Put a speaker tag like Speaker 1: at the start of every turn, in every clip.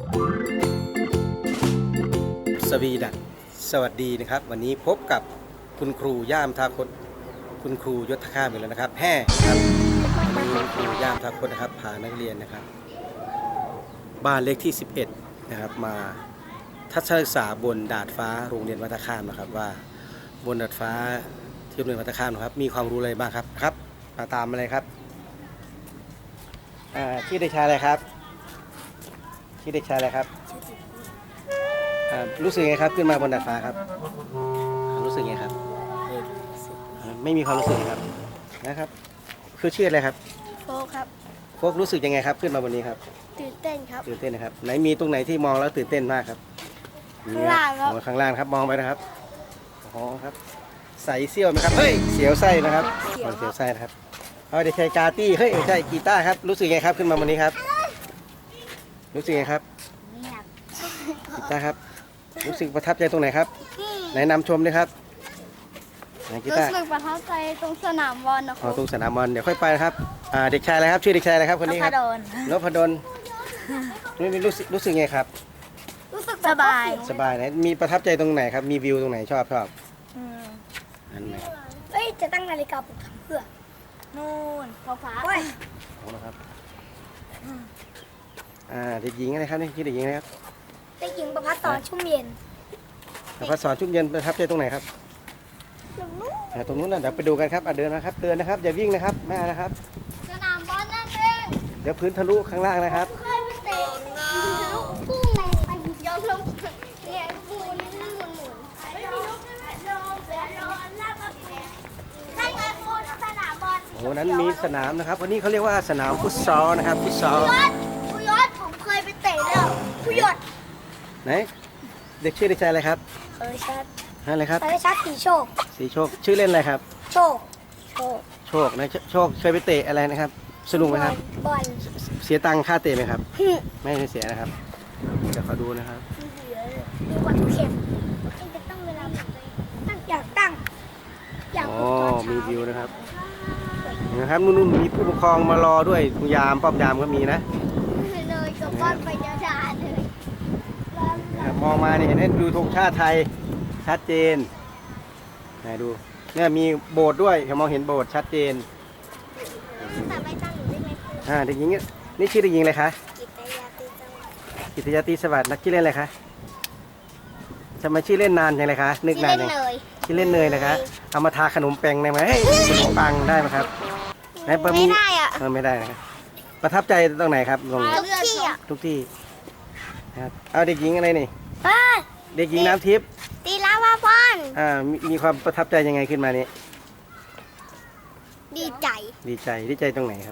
Speaker 1: สวีดัสสวัสดีนะครับวันนี้พบกับคุณครูย่ามทาคตคุณครูยศข้ามอีกแล้วนะครับแห่ครับวันนี้ครูย่ามทาคตนะครับพานักเรียนนะครับบ้านเลขที่11นะครับมาทัศนศึกษาบนดาดฟ้าโรงเรียนวัดท่าข้ามนะครับว่าบนดาดฟ้าที่โรงเรียนวัดท่าข้ามนะครับมีความรู้อะไรบ้างครับมาตามมาเลยครับชื่อเด็กชายอะไรครับชื่อเด็กชายอะไรครับรู้สึกไงครับขึ้นมาบนดาดฟ้าครับรู้สึกไงครับไม่มีความรู้สึกครับนะครับคือชื่ออะไรครับ
Speaker 2: โฟครับ
Speaker 1: พวกรู้สึกยังไงครับขึ้นมาบนนี้ครับ
Speaker 2: ตื่นเต้นครับ
Speaker 1: ตื่นเต้นนะครับไหนมีตรงไหนที่มองแล้วตื่นเต้นมากครับ
Speaker 2: ข้างล่างครับ
Speaker 1: ข้างล่างครับมองไปนะครับอ๋อครับใส่เสี้ยวไหมครับเฮ้ยเสียวไส้นะครับเสียวไส้นะครับเอาเด็กชายกาตี้เฮ้ยใช่กีตาร์ครับรู้สึกไงครับขึ้นมาบนนี้ครับรู้สึกไงครับกีตาร์ครับรู้สึกประทับใจตรงไหนครับไหนนำชมด้วยครับ
Speaker 2: รู้สึกประทับใจตรงสนามบอลนะค
Speaker 1: อ๋
Speaker 2: รั
Speaker 1: อบ ตรงสนามบอลเดี๋ยวค่อยไปนะครับเด็กชายอะไรครับชื่อเด็กชายอะไรครับคนนี้ครับนพดลนี่รู้สึกไงครับ
Speaker 2: รู้สึกสบาย
Speaker 1: ไหนมีประทับใจตรงไหนครับมีวิวตรงไหนชอบอันไหน
Speaker 2: เอ้ยจะตั้งนาฬิกาปลุกทำเพื่อนู่นฟ้า
Speaker 1: โอ้นะครับเด็กหญิงอะไรครับนี่ชื่อเด็กหญิงอะไรครับ
Speaker 2: เด็กหญิงประภัสสรชุ่มเย็น
Speaker 1: ประภัสสรชุ่มเย็นประทับใจตรงไหนครับตรงนู้นนะเดี๋ยวไปดูกันครับเดินนะครับเดินนะครับอย่าวิ่งนะครับแม่นะครับ
Speaker 2: สนามบอลนั่นเอง
Speaker 1: เดี๋ยวพื้นทะลุข้างล่างนะครับ
Speaker 2: เคยไปเตะพุ่งในไปย้อนลงเนี่ยปูนี่หมุนไม่มีลูกให้ไงปูสนามบอล
Speaker 1: โอ้นั้นมีสนามนะครับวันนี้เขาเรียกว่าสนามฟุตซอลนะครับฟุตซอล
Speaker 2: ผู้ยอดผมเคยไปเตะแล้วผู้ยอด
Speaker 1: ไหนเด็กชื่อเด็กชายอะไรครับ
Speaker 2: ชัด
Speaker 1: อะไรครับ
Speaker 2: ชัดสีโชค
Speaker 1: ชื่อเล่นอะไรครับ
Speaker 2: โชค
Speaker 1: นะโชคเคยไปเตะอะไรนะครับสนุกไหมครับ
Speaker 2: บอล
Speaker 1: เสียตังค่าเตะไหมครับไม่เสียนะครับเดี๋ยวขอดูนะครับ
Speaker 2: มีวัตถุเข็มจะตั้งเวลาอยากตั้ง
Speaker 1: อ๋อมีวิวนะครับนู่นมีผู้ปกครองมารอด้วยยามป้อมยามก็มีนะ
Speaker 2: เลยกับบ้านไปจะด่าเลย
Speaker 1: มองมาเนี่ยเห็นดูธงชาติไทยชัดเจนไหนดูเนี่ยมีโบสถ์ด้วยมองเห็นโบสถ์ชัดเจน
Speaker 2: แต่ไม่ตั้งอยู่ได้ไหม
Speaker 1: เด็กหญิงนี่ชื่อเด็กหญิงอะไรคะกิตยาตีสวัสดิ์นักชื่อเล่นอะไรคะทำไมชื่อเล่นนานจังเลยคะนึกนานเลยชื่อเล่นเนยนะคะเอามาทาขนมแป้งได้ไหมขนมปังได้ไหมครับ
Speaker 2: ไม่ได้อะ
Speaker 1: ไม่ได้นะครับประทับใจตรงไหนครับทุกที่ครับเอาเด็กหญิงอะไรนี่เด็กหญิงน้ำทิพย์
Speaker 2: ตีลาวาบอล
Speaker 1: มีความประทับใจยังไงขึ้นมานี้
Speaker 2: ดีใจ
Speaker 1: ตรงไหนครับ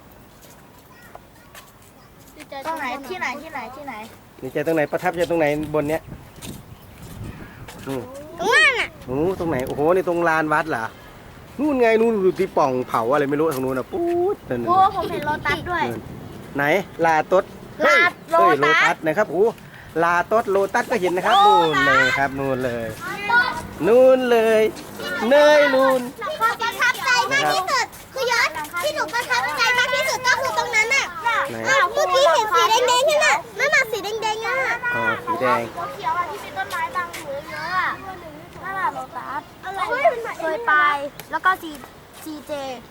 Speaker 2: ตรงไหนที่ไหน
Speaker 1: ดีใจตรงไหนประทับใจตรงไหนบนเนี้ย
Speaker 2: ตรงนั้นอ่ะ
Speaker 1: ตรงไหนโอ้โหในตรงลานวัดเหรอนู่นไงนู่นดูที่ป่องเผาอะไรไม่รู้ทางนู้นนะปุ๊ด
Speaker 2: โอ้ผมเห็นโลตัสด้วย
Speaker 1: ไหนลาต๊ดโลตัสนะครับโอ้ลาต๊ดโลตัสก็เห็นนะครับนู่นเลยครับนู่นเลยเนยนู่น
Speaker 2: ประทับใจมากที่สุดคือยศที่หนูประทับใจมากที่สุดก็คือตรงนั้นน่ะเมื่อกี้เห็นสีแดงๆนี่น่ะนั่นน่ะสีแดงๆอ่ะ
Speaker 1: สีแดง
Speaker 2: เขียวอ่ะที่เป็นต้นไม้บางหูเยอะอ่ะนั่นแหละโลตัสเคยไปแล้วก็ซีเจ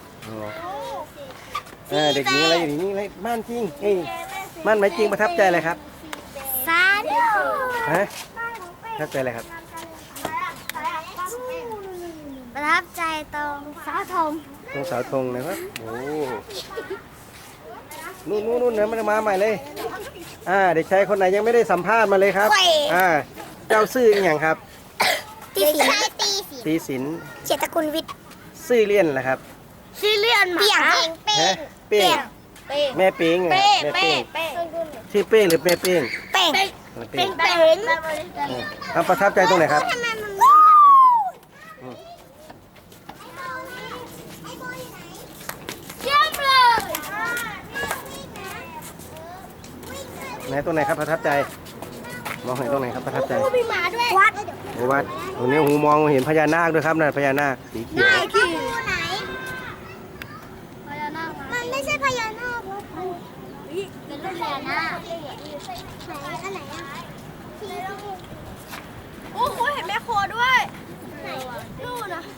Speaker 1: เด็กหญิงอะไรอย่างนี้อะไรบ้านจริงบ้านไหมจริงประทับใจอะไรครับ
Speaker 2: ซาดิ
Speaker 1: ประทับใจอะไรครับ
Speaker 2: ประทับใจตรงเสาธง
Speaker 1: นะครับโอ้นู่นนะมันมาใหม่เลยเด็กชายคนไหนยังไม่ได้สัมภาษณ์มาเลยครับเจ้าซื่ออย่างครับตีศิลป์
Speaker 2: เกียรติกุลวิทย์
Speaker 1: ซื่อเลี่ยนแหละครับ
Speaker 2: ซื่อเลี่ยนเ
Speaker 1: ป้งแม่เป้งชื่อเป้งหรือแม่เป้งประทับใจตรงไหนครับไหนตรงไหนครับประทับใจมองเห็นตรงไหนครับประทับใจ
Speaker 2: มีหมาด้วย
Speaker 1: วัดตรงนี้หูมองเห็นพญานาคด้วยครับนั่นพญานาคสีเขียว
Speaker 2: ไหนพญานาคมันไม่ใช่พญานาคเป็นรูปพญานาคอันไหนอ่ะ
Speaker 3: โอ้โหเห็นแม่โคด้วย
Speaker 2: ไหน
Speaker 3: นู่นนะ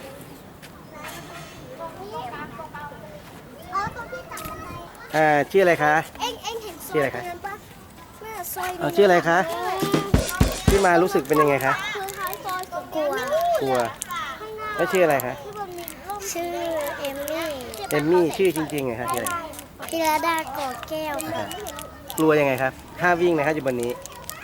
Speaker 2: อ๋อตรงที่ตัดบันได
Speaker 1: ชื่ออะไรคะ
Speaker 2: เอ็งเห็น
Speaker 1: ชื่ออะไรคะ
Speaker 2: ตงนั้นปะแม่ซอย
Speaker 1: ชื่ออะไรคะที่มารู้สึกเป็นยังไงคะ
Speaker 2: คือท้ายซอยกลัว
Speaker 1: กลัวแล้วชื่ออะไรคะ
Speaker 2: ชื่อเอมมี่
Speaker 1: เอมมี่ชื่อจริงๆไงคะชื่ออะไร
Speaker 2: พิรดาก่อแก้วค่ะ
Speaker 1: กลัวยังไงครับถ้าวิ่งนะครับอยู่บนนี้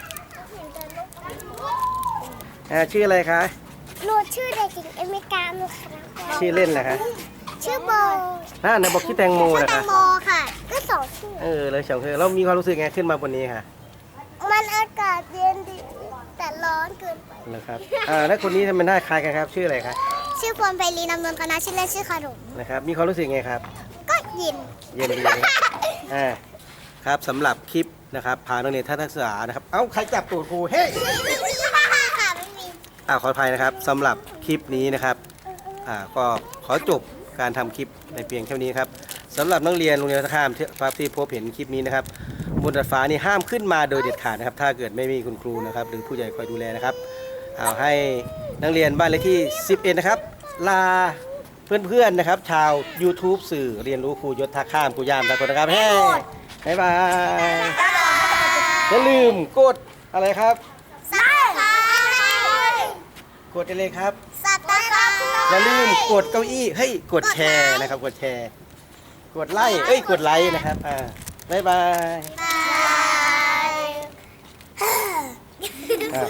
Speaker 1: ชื่ออะไรคะ
Speaker 2: หนูชื่อเด็กหญิงเอมิกาหนูค่ะ
Speaker 1: ชื่อเล่นเหรอคะ
Speaker 2: ชื่อโบ
Speaker 1: ไหนบอกชื่อแตงโม
Speaker 2: ชื่อ
Speaker 1: นะ
Speaker 2: แต
Speaker 1: คะ
Speaker 2: งโมค่ะ ก็สองชื่อ
Speaker 1: เลยสองคือเรามีความรู้สึกไงขึ้นมาบนนี้ค่ะ
Speaker 2: มันอากาศเย็นดีแต่ร้อนเกินไป
Speaker 1: เหรอครับแล้วคนนี้ทำไมหน้าคล้ายกันครับชื่ออะไรคะ
Speaker 2: ชื่อพรไพลีนำนนท์คณะชื่อเล่นชื่อขนม
Speaker 1: นะครับมีความรู้สึกไงครับ
Speaker 2: ก็เย็น
Speaker 1: เย็นดีนะครับครับสำหรับคลิปนะครับพานักเรียนทัศนศึกษานะครับเอ้าใครจับตูดครูเฮ้ย
Speaker 2: ค่ะไม่มี
Speaker 1: ขออภัยนะครับสำหรับคลิปนี้นะครับก็ขอจบการทำคลิปในเพียงเท่านี้ครับสำหรับนักเรียนโรงเรียนท่าข้ามที่พบเห็นคลิปนี้นะครับบนดาดฟ้านี่ห้ามขึ้นมาโดยเด็ดขาดนะครับถ้าเกิดไม่มีคุณครูนะครับหรือผู้ใหญ่คอยดูแลนะครับเอาให้นักเรียนบ้านเลขที่ 11 นะครับลาเพื่อนๆนะครับชาว YouTube สื่อเรียนรู้ครูยศท่าข้ามครูยามตะกนนะครับเฮ้บ๊ายบายอย่าลืมกดอะไรครับ
Speaker 2: สัตว์ค่ะ
Speaker 1: กดได้เลยครับ
Speaker 2: สัตว์ค่ะ
Speaker 1: อย่าลืมกดเก้าอี้เฮ้ยกดแชร์นะครับกดแชร์กดไลค์กดไลค์นะครับบ๊ายบาย
Speaker 2: บ